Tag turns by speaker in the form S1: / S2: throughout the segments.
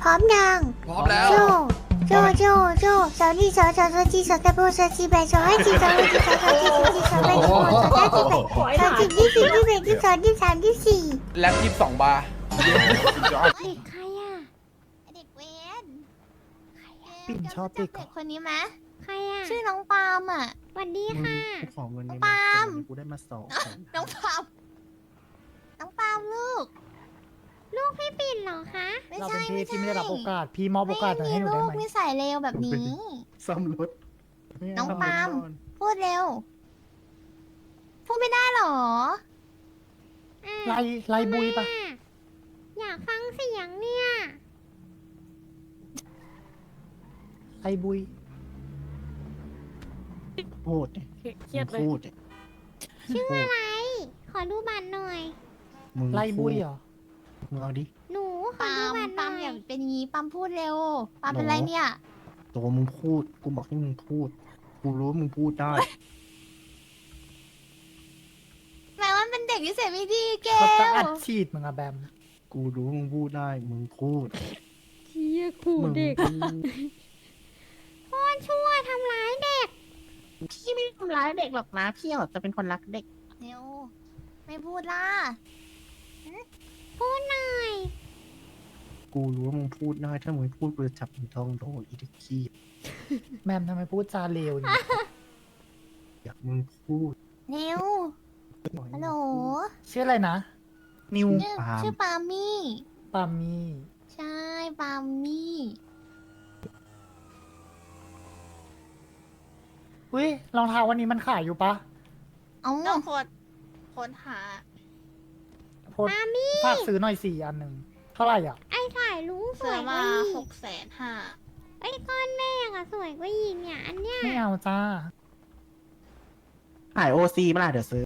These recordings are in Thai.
S1: ร้อมยัง
S2: พร้อมแล้ว
S1: โจโจสาวนี่สาวจีสาวตะโบสาวจีแบสาวให้จีสาวให้จีสาวจีสาวจีสาวแบสาวสาวจีแบสาวจี21 22 23 24
S2: แล็บ22 บาร์
S1: เด็กใครอ่ะเด็กเวน
S3: ปิ่นชอบเด็ก
S1: เด็กคนนี้ไหม
S4: ใครอ่ะ
S1: ชื่อน้องปาล์มอ่ะ
S4: สวัสดีค่ะ
S3: กูขอเงินใน
S1: ปาล์ม
S3: กูได้มา2
S1: น้องปาล์มลูก
S4: ลูกพี่ปิ่นเหรอคะ
S1: ไม่
S3: เรา
S1: ใช่
S3: เป็นพี่ที่ไม่ได้รับโอกาส พี่มอบโอกาสให้หนูได้
S1: ลู
S3: ไห
S1: ก
S3: ม
S1: นิสัยเลวแบบนี้
S3: ซ่อมรถ
S1: น้องปาล์ม พูดเร็ว พูดไม่ได้หรอ
S3: ไล่บุยปะ
S4: อยากฟังเสียงเนี่ย
S3: ไล่บุยพูดดิ
S5: เครียดเลย
S3: พูดดิ
S4: ชื่ออะไร ขอดูบัตรหน่อย
S3: มึงไล่บุยเหรอมึงเอาดิ
S4: หนูขอ
S1: ปา
S4: ดู
S1: ล์ม
S4: บัตรห
S1: ปา
S4: น่
S1: ล์ม
S4: อ
S1: อย่าย เป็นงี้ปาล์มพูดเร็วปาล์มเป็นไรเนี่ย
S3: ตัวมึงพูดกูบอกให้มึงพูดกูรู้ว่ามึงพูดได้
S1: แม้ว่าเป็นเด็กนิสัยไม่ดีเก
S3: เขาจะ
S1: ล
S3: อัดฉีดมึงอะแบมกูรู้มึงพูดได้มึงพูด
S5: เชี่ยขู่
S3: มึง
S5: เด็ก
S3: พูด
S4: โคตรชั่วทำร้ายเด็ก
S6: พี่ไม่ได้ทำร้ายเด็กหรอกนะพี่จะเป็นคนรักเด็ก
S1: เร็วไม่พูดล่ะ
S4: พูดหน่อย
S3: กูรู้ว่ามึงพูดได้ถ้ามึงพูดกูจะจับมึงท้องโดนอีดิขี้แมมทำไมพูดจาเลวอย่างนี้อยากมึงพูด
S1: เร็วฮัลโหล
S3: ชื่ออะไรนะ นิว
S1: ชื่อปาล์มมี่
S3: ปามี่
S1: ใช่ปาล์มมี่
S3: อุ้ยรองเท้าวันนี้มันขายอยู่ปะ
S1: เอ้า
S6: ต้องคนหา
S3: โพส
S4: ปามี่
S3: ฝากซื้อหน่อย4 อันหนึ่งเท่าไหร่อ่ะ
S4: ไอ้ถ่ายรู้ส
S6: เสื
S4: ว
S6: อย
S4: ก
S6: มา
S4: ว่าอีก
S6: 650,000
S4: ไอ้ก้อนแม่อะสวยกว่าอีกเนี่ย อันเนี้ย
S3: ไม่เอาจ้า
S6: ขายโอซีมาล่ะเดี๋ยวซื้อ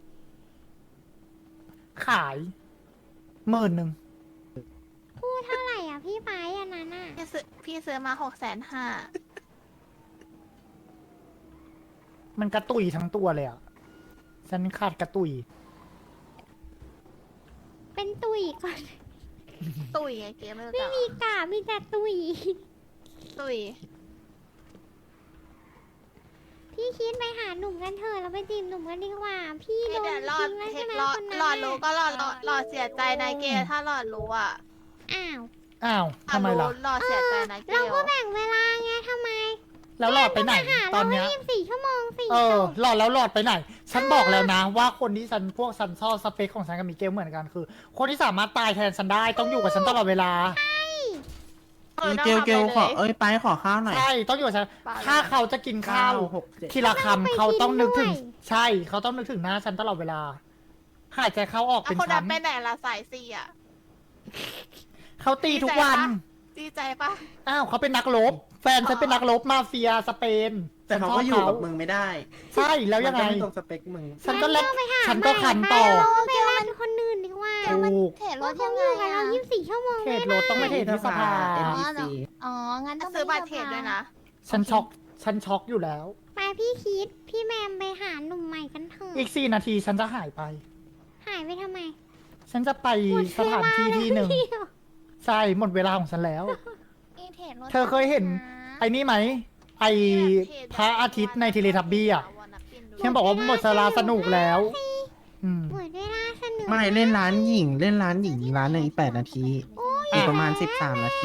S3: ขาย10,000
S4: พูดเท่าไหร่อ่ะพี่ไปอันนั้นอ่ะ
S6: พี่ซื้อมา650,000
S3: มันกระตุยทั้งตัวเลยอ่ะ ฉันขาดกระตุย
S4: เป็นตุยก่อน
S6: ตุยไงเกมไม่รู้
S4: ไม่
S6: จัก
S4: มีกามีแต่ตุย
S6: ตุย
S4: พี่คิดไปหาหนุ่มกันเถอะเราไปจีบหนุ่มกันดีกว่า พี่โดน
S6: เดี๋ยวรอด
S4: ทิ้งแล้ว
S6: เท
S4: ใช่
S6: ค
S4: ไหม
S6: รอ
S4: คนนั้น
S6: รอดรู้
S4: อะ
S6: ก็รอดเสียใจนายเกลถ้ารอดรู้อ่ะ
S4: อ้าว
S3: อ้าวทำไมล่ะ
S6: รอดเสียใจนายเกล
S4: เราก็แบ่งเวลาไงทำไม
S3: แล้วหลอดไปไหน
S4: หา
S3: ต
S4: เรา
S3: อน
S4: ไม่
S3: เนี้ย
S4: 24 ชั่วโมงสิ
S3: เออหลอดแล้วหลอดไปไหน ฉันบอกแล้วนะ ว่าคนที่ฉันพวกฉันชอบสเปคของฉันกับมิเกลเหมือนกันคือ คนที่สามารถตายแทนฉันได้ต้องอยู่กับฉันตลอดเวลา
S6: เกลขอ
S7: ไปขอข้าวหน่อย
S3: ใช่ต้องอยู่กับฉัน ถ้าเขาจะกินข้าว
S7: 9
S3: ทีละคำเขาต้องนึกถึง ใช่เขาต้องนึกถึงหน้าฉันตลอดเวลา หายใจเข้าออกเป็น
S6: คน
S3: ชั้
S6: นั้น นไปไหนละสายซีอ่ะ
S3: เขาตีทุกวัน
S6: ดีใจปะ
S3: อ้าวเขาเป็นนักรบ แฟนฉันเป็นนักรบมาเฟียสเปน
S7: แต่เขาก็อยู่กับมึงไม่ได้
S3: ใช่แล้วยังไง
S7: มันก็ไม่ตรงสเปคมึง
S3: ฉันก็เล่นฉันก็คันต่อ
S4: เราไปรันคนอื่นดีกว่า
S3: ถูก
S1: เทรดร
S4: ว่า
S1: ถ
S4: เขา
S1: ยัง
S4: อ
S1: ไง
S4: ยู่กับ
S1: อะ
S4: เรา24 ชั่วโมง
S3: เทรดรถต้องไม่เทรดที่สภา
S7: NPC
S1: อ๋อ งั้นต้อง
S6: ซื้อบัตรเทรดด้วยนะ
S3: ฉันช็อกอยู่แล้ว
S4: ไปพี่คิด พี่แมมไปหาหนุ่มใหม่กันเถอะ
S3: อีก4 นาทีฉันจะหายไป
S4: หายไปทำไม
S3: ฉันจะไปสถานที่ที่หนึ่ง
S4: เที่ยว
S3: ใช่หมดเวลาของฉันแล้ว
S1: นี่เทรดรถ
S3: เธอเคยเห็น ไอ้นี่ไหม ไอพระอาทิตย์ในเทเลทับบี้อ่ะฉันบอกว่าหมดเวลาสนุกแล้ว อืม
S4: หมดเวลาสนุก
S7: ไม่เล่นร้านหญิงอีกร้านหนึ่งอีก8 นาทีอีกประมาณ13 นาที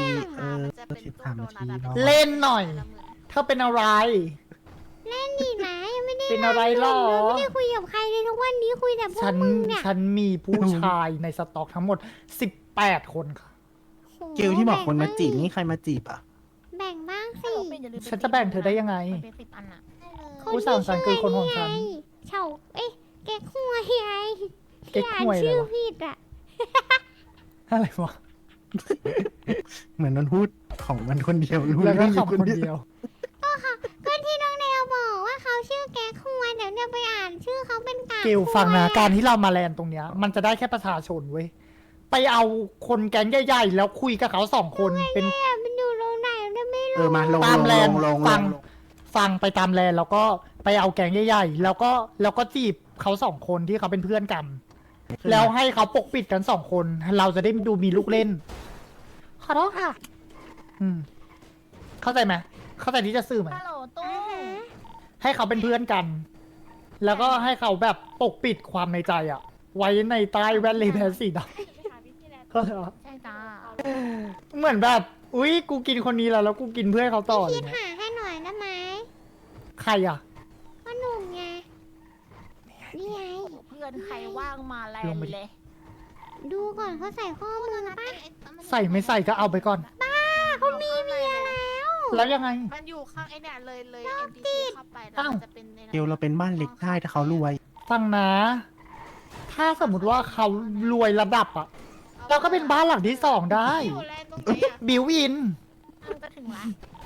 S7: 13 นาทีเนาะ
S3: เล่นหน่อย เธอเป็นอะไร
S4: เล่นดีไหมยังไม่ได้
S3: เป็นอะไรหรอ
S4: ไม่ได้คุยกับใครเลยทุกวันนี้คุยแต่พว
S3: ฉั
S4: ก
S3: น
S4: มึงเนี่ย
S3: ฉันมีผู้ชายในสต็อกทั้งหมด18 คนค่ะ
S4: โอ้โห
S7: เกลที่บอกคนมาจีบนี่ใครมาจีบอ่ะ
S4: แบ่งบ้างสิ
S3: ฉันจะแบ่งเธอได้ยังไง
S6: เป็น10 อันอ่ะ
S3: ผู้สาวฉันคือคนของฉัน
S4: เฉาเอ๊ะเก๊กหวยไง
S3: เก๊กหวย
S4: ที่อ่านชื่อ
S3: เหรอ
S4: ผิดอ่ะ
S3: อะไรวะ
S7: เหมือนมันพูดของมันคนเดียวรู้
S3: แล้วก็
S7: เรื่อง
S3: ขำคนเดียว
S4: ก็ที่น้องเดวบอกว่าเขาชื่อแก๊กหวยเดี๋ยวเนี่ยไปอ่านชื่อเขาเป็นกาก
S3: เกลฟังนะการที่เรามาแลนตรงเนี้ย มันจะได้แค่ประชาชนเว้ย ไปเอาคนแก๊งใหญ่ๆแล้วคุยกับเขา2 คนเป็น
S4: เนี่ยมันอยู่โรงไหนเนี่ยไม่รู้
S7: มาลง
S3: ตามแลน
S7: ลง
S3: ฟังไปตามแลนแล้วก็ไปเอาแก๊งใหญ่ๆแล้วก็จีบเขา2 คนที่เขาเป็นเพื่อนกัน แล้วให้เขาปกปิดกัน2 คน เราจะได้ดูมีลูกเล่น ขอโทษค่ะ
S2: เข้าใจไหมเข้าใจที่จะสื่อไหม
S6: ฮัลโหลตู้
S2: ให้เขาเป็นเพื่อนกัน แล้วก็ให้เขาแบบปกปิดความในใจอะไว้ในใต้แว่นเลแบนสีดำเข้าใจปะ
S6: ใช่จ้า
S2: เหมือนแบบ อุ๊ย กูกินคนนี้แล้วกูกินเพื่อนเขาต่อเล
S4: คิ
S2: ย
S4: ด
S2: นะ
S4: หาให้หน่อยได้ไหม
S2: ใครอะ
S4: พ่อหนุ่มไงนี่ไง
S6: เพื่อนใครว่างมาแลนเลย
S4: ดูก่อนเขาใส่ข้อมือปะ
S2: ใส่ไม่ใส่ก็เอาไปก่อน
S4: เขามีเมียแล้ว
S2: แล้วยังไง
S6: มันอยู่ข้างไอ้เนี่ยเลย NPC เข้าไปแล้ว
S2: อ้าว
S6: มันจะเป็นในนั้น
S7: เกลเราเป็นบ้านเล็กได้ถ้าเขารวย
S2: ฟังนะ ถ้าสมมติว่าเขารวยระดับอะเราก็เป็นบ้านหลังที่สองได้
S6: อยู่แลนตรงไหนอ่ะ
S2: บิวอิน
S6: มันจะถึงละ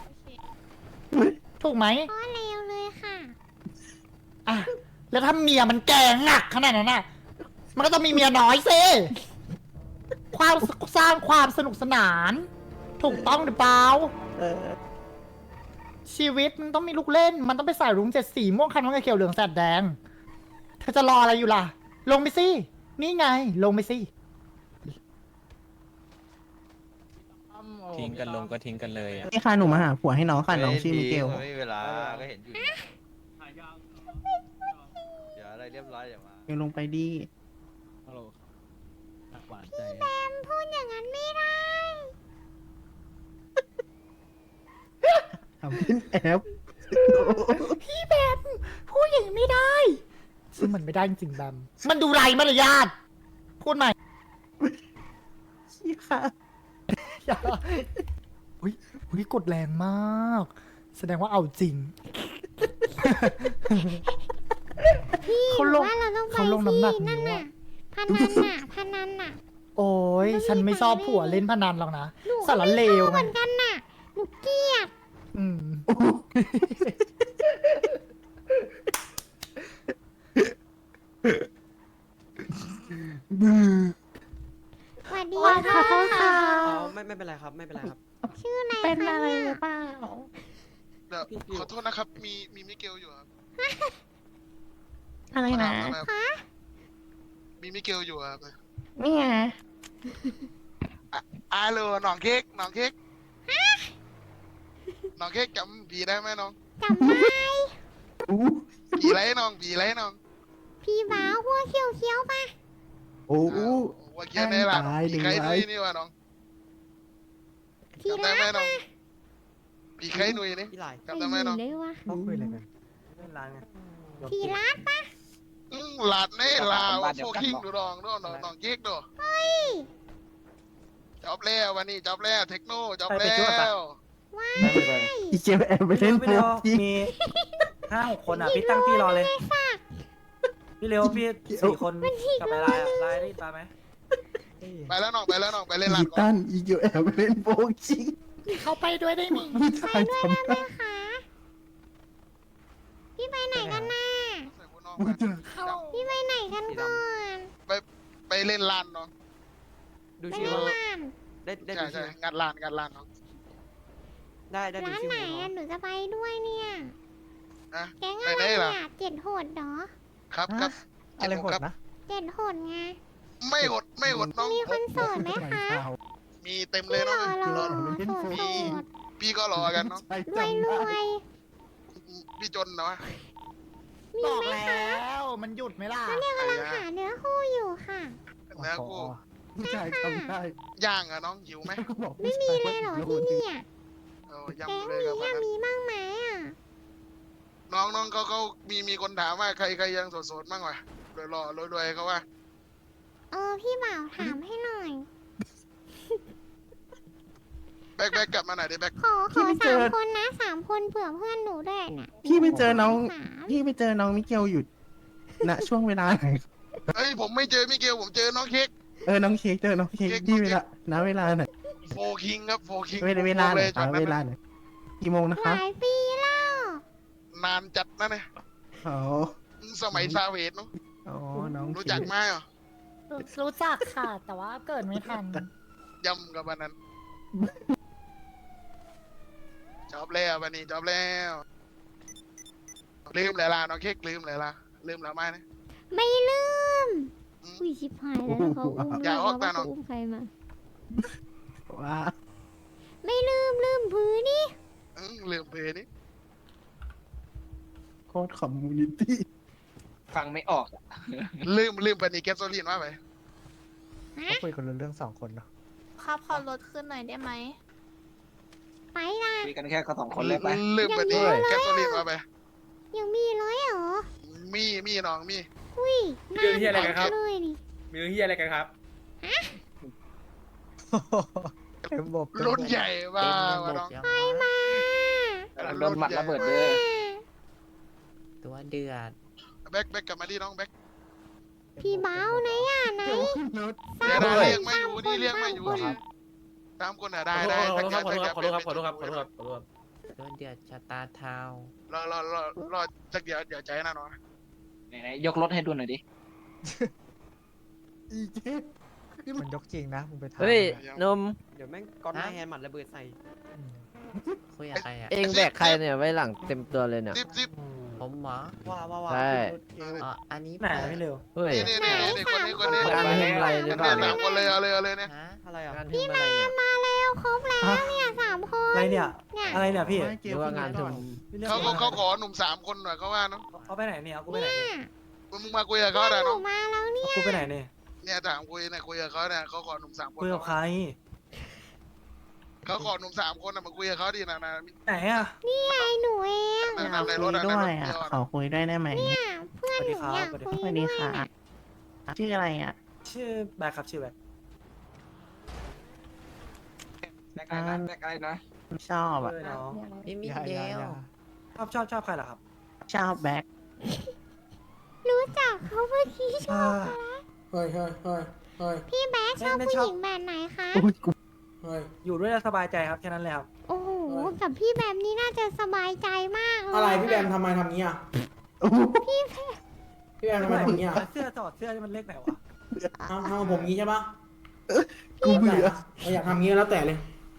S2: ถูกไหม
S4: พ่อเลวเลยค่ะ
S2: อ่ะ แล้วถ้าเมียมันแก่หนักขนาดนั้นน่ะ มันก็ต้องมีเมียน้อยสิความสร้างความสนุกสนาน ถูกต้องหรือเปล่า ชีวิตมันต้องมีลูกเล่น มันต้องไปใส่รุ้งเจ็ดสีม่วงคันน้องเขียวเหลืองแสดแดง เธอจะรออะไรอยู่ล่ะ ลงไปสิ นี่ไง ลงไปสิ
S5: ทิ้งกันลงก็ทิ้งกันเลยอ่ะ
S7: นี่ค่ะหนูมาหาผัวให้น้องค่ะน้องชื่อมิเกล
S8: ไม่มีเวลา ก็เห็นอยู่เนี่ยเดี๋ยวอะไรเรียบร้อยเดี๋ยวมา
S7: เกลลงไปดี
S4: แบมพูดอย่างนั้นไม่ได้
S7: ทำขึ้นแอป
S2: พี่แบมพูดอย่างนี้ไม่ได้ ซึ่งมันไม่ได้จริงๆแบมมันดูไรมารยาทพูดใหม่
S7: ชี้ค่ะ
S2: อย่าอุ้ยกดแรงมาก แสดงว่าเอาจริง
S4: พี่
S2: เขาลง
S4: ว่าเราต้องไป
S2: เขาลงน้ำหนัก
S4: ที่นั่น
S2: นิ้ว
S4: น่ะ
S2: อะ
S4: พนันน่ะพนันน่ะ
S2: โอ้ยฉันไม่ชอบผัวเล่นพนันหรอกนะ
S4: หนู
S2: สารเลว
S4: เห
S2: ไง
S4: มือนกันน่ะ หนูเกลียด
S2: อืม
S4: สวัสดี
S2: ขอ
S4: ค่ะ
S2: โทษค่ะ
S8: ไม่เป็นไรครับ ไม่เป็นไรครับ
S4: ชื่ออะไร
S6: เป็น
S4: คะ
S6: อะไร
S4: เนี่ย
S6: หรือเปล่า
S9: เดี๋ยวขอโทษนะครับ มีมิเกลอยู่ครับ
S6: อะไรนะ
S4: คะ
S9: มีมิเกลอยู่ครับ
S6: นี่ไง
S9: อาโลหนองเค้กหนองเค้กหนองเค้กจำผีได้ไหมน้อง
S4: จำได้
S9: ผีไรน้องผีไรน้อง
S4: พี่บ้าวหัวเขียวเขียวๆปะ
S7: โอ้โห
S9: ว่าเกียร์ได้ละ
S7: ตาย
S9: ผีใคร
S7: หนึ่ง
S9: นุ
S7: ไว้
S9: ยนี่วะน้อง
S4: พี่
S9: จำได้
S4: รัก
S9: ไหมน้องผีใครนุยนี่
S8: พี่ไหล
S9: จำได้ไหมน้อง
S4: ได้วะ
S7: เขาคุยอะไรกัน
S8: เล่นร้านไง
S4: พี่รักปะ
S9: หลาดในลาวโฟคิงดูดองดูน้องเค้กดูจบแล้ววันนี้จบแล้วเทคโนจบแล้ว
S4: ว้าย
S7: อีเกลแอบไปเล่นโป๊กจริง
S10: มี5-6 คนอ่ะ พี่ตั้งที่รอเลย พี่เร็วพี่4 คนกลับไปไลน์ไลน์ได้ยินปะไหม
S9: ไปแล้วน้องไปแล้วน้องไปเล่น
S7: อี
S9: ร้านก่อ
S7: ตั
S9: น
S7: นอีเกลแอบไปเล่นโป๊กจริง
S2: เข้าไปด้วยได้ไหม
S7: ผู้ชายทำ
S4: ได้
S7: ได้
S4: ไหมคะ พี่ไปไหนกันน่ะ
S9: ใส่หัวน้อง
S7: ผู้
S9: มา
S7: ชาย
S4: พี่ไปไหนกันก่อน
S9: ไปเล่นร้านน้อง
S8: ดู
S4: ไป
S8: ชื่อ
S4: เล่น
S8: ว่า
S4: ร้าน
S8: ได้
S9: ใช่
S8: ดูชื่
S9: ใช่
S8: อง
S9: านร้านน้อง
S8: ได้ดู
S4: ร้าน
S8: ชื่อ
S4: ไหน
S8: น้อ
S4: อ่ะ
S8: ง
S4: หนูจะไปด้วยเนี่ย
S9: อะ
S4: แก๊ง
S9: ไป
S4: อะไร
S9: ไหนล่ะ
S4: เนี่ยเจ็ดโหดเหรอ
S9: ครับครับ
S3: อะไรโหดนะ
S4: เจ็ดโหดไง
S9: ไม่อดน้อง
S4: มีคนโสดไหมคะ
S9: มีเต็มเลยน้อง
S4: รอ
S9: รอ
S4: โสดโสด
S9: พี่ก็รอกันน้อง
S4: รวยรวย
S9: พี่จนเนาะ
S4: มี
S2: บอก
S4: ไหม
S2: แล้ว มันหยุดไหมล่ะ
S4: เนี่ยกำลังหาเนื้อคู่อยู่ค่ะ
S9: แล้วกู
S7: ผู้ชายทำได้
S9: ย่างอะน้องหิวไหม
S7: ก็บอก
S4: ไม่มีเลยเหรอที่เนี่ย
S9: ยำ
S4: แก๊ง
S9: เลย
S4: มี
S9: กับ
S4: อะ
S9: นั้น
S4: มีบ้างไหมอ่ะ
S9: น้องเขามีคนถามว่าใครยังโสดๆบ้างวะรวยเขาว่า
S4: พี่บ่าวถามให้หน่อย
S9: แบกกลับมาหน่อยดิแบก
S4: ขอ3 คนนะ3 คนเผื่อเพื่อนหนูด้วยน่ะ
S7: พี่ไปเจอน้อง
S4: สาม
S7: พี่ไปเจอน้องมิเกลอยู่ณช่วงเวลาไหน
S9: เฮ้ยผมไม่เจอมิเกลผมเจอน้องเค้ก
S7: น้องเค้กเจอน้องเค้กที่เวลาณเวลาไหน
S9: โฟคิงครับโฟคิง
S7: เวลาไหน
S9: จอด
S7: เวลาไหนกี่โมงนะ
S4: ห
S7: คะ
S4: ลายปีแล้ว
S9: นานจัดนะเนี่ย
S7: อ๋อ
S9: สมัยซาเวตเนาะ
S7: อ๋อน้อง
S9: รู้จักไหมอ่ะ
S2: รู้จักค่ะ แต่ว่าเกิดไม่ทัน
S9: ยำกับวันนั้นจบแล้ววันนี้จบแล้วลืมเลยล่ะน้องเค้กลืมเลยล่ะลืมแล้วไหมนะ
S4: ไม่ลืมอุ้ยชิบหายแล้วเขาอุ้ม
S9: อย่าออก
S4: ว่า
S9: มาน้อง
S4: เขาอุ้มใครมา
S7: ว่า
S4: ไม่ลืม
S9: เบอร์นี้
S7: โคตรคอมมูนิตี้
S5: ฟังไม่ออก
S9: ลืมปนีแกสโซลีนว่าไป
S3: เขาคุยกันเรื่อง2 คนเนาะ
S4: ครับขอรถขึ้นหน่อยได้ไหมไปละ
S5: คุยกันแค่เขา2 คนเลยไป
S9: ลืมปนีแกสโซลีนว่าไป
S4: ยังมีร้อยเหรอ
S9: มีน้องมี
S4: อุ้ยน่า
S10: เรื่องเหี้ยอะไรกันครับ
S4: เลยนี่
S10: มีเรื่องเฮียอะไรกันครับ
S3: เต็มบบ
S9: รุ่นใหญ่ว่าน้อง
S4: ไปมา
S5: โดนหมัดระเบิดเด้อ
S7: ตัวเดือด
S9: แบ็คกลับมาดิน้องแบ็ค
S4: พี่เบ้าไหนอ่ะไหน
S9: เดี๋ยวได้เรียกไม่อยู่นี่เรียกไม่อยู่ครับ3 คนอ่ะได้
S10: ขอโทษครับขอโทษครับขอโทษครับขอโทษครับขอโทษครับ
S7: ตัวเดือดชะตาเทาร
S9: อจักเดี๋ยวใจนะน้อง
S5: ไหนๆยกรถให้ดูหน่อยดิ
S3: อีเจ๊มันยกจริงนะมึงไปทำ
S8: เฮ้ย
S3: นม
S8: เดี๋ยวแม่งก้อนหน้าแฮนด์หมัดระเบิดใส่
S7: คุยกับใครอ่ะ
S9: เองแบกใครเนี่ย
S7: ไว้หลังเต็มตัวเลยเนี่ย
S9: ซิบ
S7: ผมหมอ
S8: ว่า
S7: ใช่อันนี้
S10: ไหนไม่เร็ว
S7: เฮ้ย
S9: นี่คนนี้
S7: การทำอะไรหรือเปล่า
S9: 3 คนเลยเอาเลยเนี่ย
S8: อะไรอ่ะ
S7: พี่แม่
S4: มาแล้วครบแล้วเนี่ย3 คน
S10: อะไรเนี่ย
S4: เนี่ย
S10: อะไรเนี่ยพี่
S7: หรือว่างานท
S9: เขาขอหนุ่ม3 คนหน่อยเขาว่าเนาะ
S10: เขาไปไหนเนี่ยเอากูไปไหนเนี่ย
S9: มึงมาคุยกับเขาได้
S4: หนู
S9: น้อง
S4: มาแล้วเนี่ย
S10: เอากูไปไหนเนี่ย
S9: เนี่ยถามคุยเนี่ยคุยกับเขาเนี่ยเขาขอหนุ่ม3 คน
S10: คุยกับใคร
S9: เขาขอหนุ่ม3 คนมาคุยกับเขาดินะ
S10: ไหนอ่ะ
S4: นี่ไงหนูเอง
S9: ในรถ
S7: ด้วยอ่ะขอคุยได้ไหม
S4: เนี่ยเพื่อนหนูอยากคุย
S7: สวัส
S4: ด้
S7: ดี
S4: วย
S7: ค่ะ ชื่ออะไรอ่ะ
S10: ชื่อแบกครับชื่อแบก
S5: แบกอะไรนะ
S7: ชอบอ่ะ
S10: เออน้อง
S7: พี่มิ
S3: อย่า
S7: เก
S3: อย่า
S7: ล
S3: อย่า
S10: ชอบใครเหรอครับ
S7: ชอบแบ็ค
S4: รู้จักเขาเมื่อกี้ชอบ
S10: เฮ้ย
S4: พี่แบ๊กชอบ
S10: ไม่
S4: ผู้
S10: ชอบ
S4: หญิงแบบไหนคะ
S10: อยู่ด้วยแล้วสบายใจครับแค่นั้นเลยครับ
S4: โอ้โหกับพี่แบบนี้น่าจะสบายใจมากเลย
S6: อะไรพี่แบมทำไมทำงี้อ่ะพี่แบมทำไมทำงี้อ่ะ
S10: เสื้อถอดเสื้อนี่มันเล็กไหนวะ
S6: ทำผมงี้ใช่ปะ
S3: กูเบื่อ
S6: อยากทำงี้แล้วแต่เลย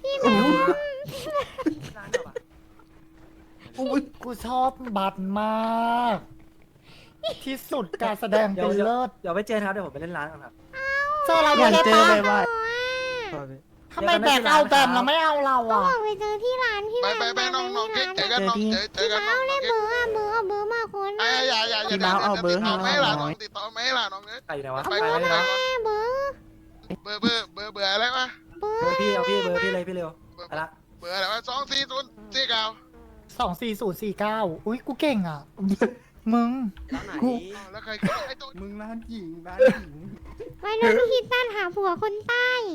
S10: ร้านเดียวอะ
S2: กูชอบบัตรมาก ที่สุดการแสดงเป็นเลิศ
S10: เดี๋ยวไปเจอครับเดี๋ยวผมไปเล่นร้านก่อนครับ
S2: เจอเรา
S7: อ
S2: ด้ว
S7: ยาย ก
S2: ได้
S7: เจอ
S2: ปะ
S7: เลยว่า
S2: ทำไมแบกเอาแบมเราไม่เอาเรา
S4: ก็
S2: อ่ะ
S4: บอกไปเจอที่ร้านพี่
S9: ไป
S4: แบ๊ก
S9: ไปน้องเก๊กเจอกันน้องเจอกันน้อง
S4: เล่น
S9: เก๊ก
S4: เบอร์อะเบอร์เอาเบอร์มาคน
S9: อย่าติดต่อไม่ล่ะน้องติดต่อไม่ล่ะน้องเอ้ย
S10: ใครอยู่ไหนวะ
S9: ไป
S10: ไป
S9: ก่อน
S10: เลย
S9: ไป
S10: นะ
S9: ก่อน
S4: เบอร์
S9: เบอร์อะไรวะ
S4: เบอ
S10: เบอ
S4: ร์
S10: ร์พี่เอาพี่เบอร์พี่เลยพี่เร็วไปละ
S9: เบอร์อะไรวะ24049
S2: 24049อุ้ยกูเก่งอ่ะ มึง
S8: ร้านไหน
S9: แล้วใครไอ้ตัว
S3: มึงร้านหญิงร้านหญิง
S4: ไว้รุ่นพี่ตั้นหาผัวคนใต้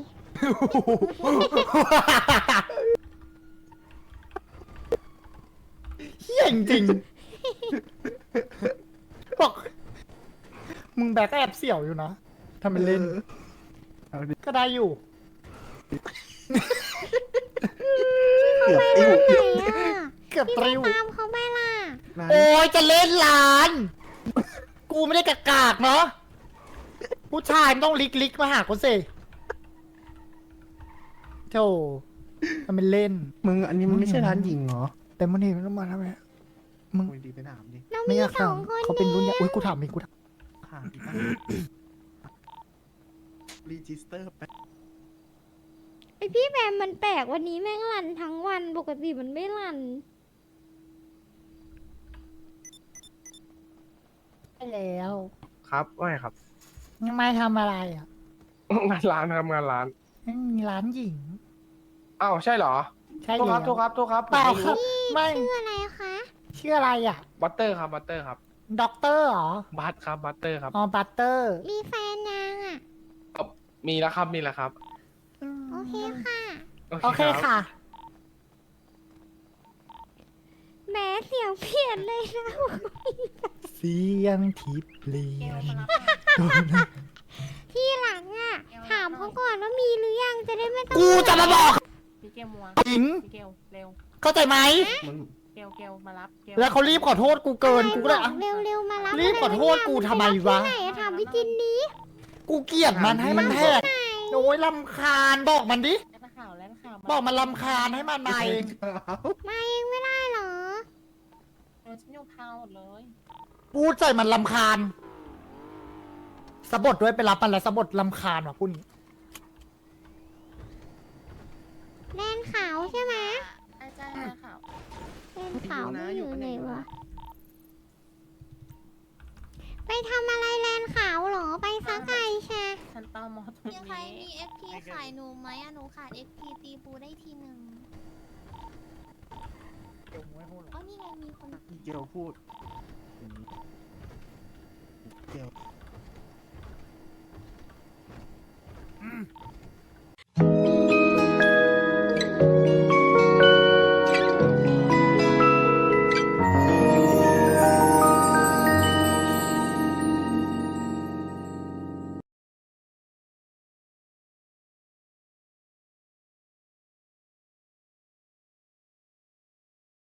S2: เฮี้ยจริงๆบอกมึงแบกก็แอบเสี่ยวอยู่นะทำเป็นเล่น
S3: เอาดิ
S2: ก็ได้อยู่
S3: เกือบติ้ว
S4: ไหนอ่ะ
S2: เกือบตริว
S4: ตามเขาไปล่ะ
S3: ร้าน
S2: โอ้ยจะเล่นร้าน กูไม่ได้กากากเนาะผู้ชายมันต้องลิกมาหากูสิโธ่ทำเป็นเล่น
S3: มึงอันนี้มันไม่ใช่ร้านหญิงเหรอ
S2: แต่มันนี่มันต้องมาทำไมมึง
S3: มึงดีไปถามดิ
S4: เรา
S2: ไม่
S4: มี
S2: อยาก
S4: สอ
S2: ถาง ม
S4: คน
S2: เขาเป็นรุ่นใหญ่
S4: ย
S2: อุ้ยกูถามเองกูถาม
S3: ถามดิรีจิสเตอร์ไป
S4: ไอพี่แบมมันแปลกวันนี้แม่งรันทั้งวันปกติมันไม่รัน
S2: ไปแล้ว
S11: ครับว่าไงครับ
S2: ยังไม่ทำอะไรอ่ะ
S11: งานร้านครับงานร้าน
S2: ไม่มีร้านหญิง
S11: อ้าวใช่เหรอ
S2: ใช่
S11: โทษ
S2: แล้
S11: ครับ
S2: ว
S11: โทษครับโทษครับ
S2: เปล่าครับ ไม่
S4: ชื่ออะไรคะ
S2: ชื่ออะไรอ่ะ
S11: บัตเตอร์ครับบัตเตอร์ครับ
S2: ด็อกเตอร์เหรอ
S11: บัตครับบัตเตอร์ครับ
S2: อ๋อบัตเตอร์
S4: มีแฟนยังอ่ะ
S11: มีแล้วครับมีแล้วครับ
S4: โอเคค่ะ
S2: โอเค
S11: รับ
S2: ค่ะ
S4: แหม้เสียงเปลี่ยนเลยนะ
S2: เสียงทิพย์เปลี่ยน
S4: ที่หลังอ่ะ ถามเขาก่อนว่ามีหรือยังจะได้ไม่ต้อง
S2: กูจะมาบอก
S6: พี่เกลมัว
S2: หญิง
S6: พี่เกลเร็ว
S2: เข้าใจไหม
S3: มึง
S6: เกลมารับเกล
S2: แล้วเขารีบขอโทษกูเกิน กูก็เลย
S4: บ
S2: อ่ะ
S4: อกเร็วๆมารับ
S2: รีบขอโทษกูทำไมวะ
S4: ที่ไหนอะถามพี่จินนี้
S2: กูเกลียดมันให้มันแหกโอ้ยลำคาญบอกมันดิ
S6: แล้วข่าวแล้วข่าว
S2: บอกมันลำคาญให้มันมาเอง
S4: มาเองไม่ได้เหรอ
S6: ฉันอยู่พาวหมดเลย
S2: พูดใจมันลำคาญสะบดด้วยไปรับมันแล้วสะบดลำคาญว่ะพูดนี้
S4: แดนขาวใช่ไหม
S6: อาจารย์ข่าว
S4: ขาวไม่อยู่ไหนวะไปทำอะไรแลนขาวเหรอไปซักไก่แชร์
S2: ฉันตามมอตรง
S1: ยังใคร
S2: นี้
S1: มี FP ขายหนูไหมอะหนูขาด FP ตีปูได้ทีหนึ่ง
S2: เดี๋ยวไม่พูดหรอก
S1: อ๋อนี่ไงมีคน
S3: เกียวพูดเกียว